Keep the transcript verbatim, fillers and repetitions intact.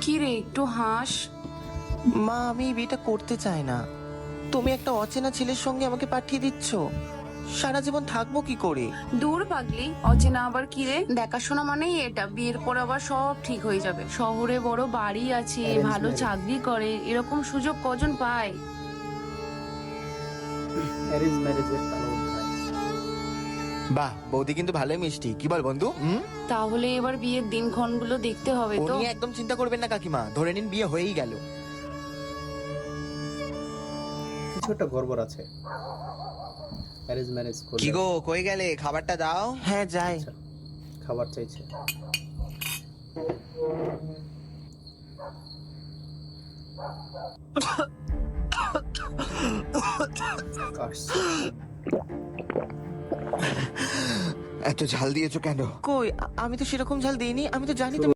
কি রে, একটু হাস। মা, আমি এই বিয়েটা করতে চাই না। তুমি একটা অচেনা ছেলের সঙ্গে আমাকে পাঠিয়ে দিচ্ছ। সারা জীবন থাকবো কি করে? দূর পাগলি, অচেনা আবার কি রে? দেখাশোনা মানেই এটা, বিয়ের পর আবার সব ঠিক হয়ে যাবে। শহরে বড় বাড়ি আছে, Arrange ভালো marriage. চাকরি করে, এরকম সুযোগ কজন পায়? অ্যারেঞ্জ ম্যারেজের কালো অধ্যায়। বাহ, বৌদি কিন্তু ভালোই মিষ্টি। কি বল বন্ধু? হুম? তাহলে এবার বিয়ের দিনক্ষণগুলো দেখতে হবে ও তো। নিয়ে একদম চিন্তা করবেন না কাকিমা, ধরে নিন বিয়ে হয়েই গেল। কিছু একটা গড়বড় আছে। অ্যারেঞ্জ ম্যারেজ করলে কি গো, কই গেলে? খাবারটা দাও। হ্যাঁ, যাই। আচ্ছা, খাবার চাইছে। কাশছে। এত ঝাল দিয়েছো কেন? কই, আ- আমি তো সেরকম ঝাল দিইনি। আমি তো জানি তুমি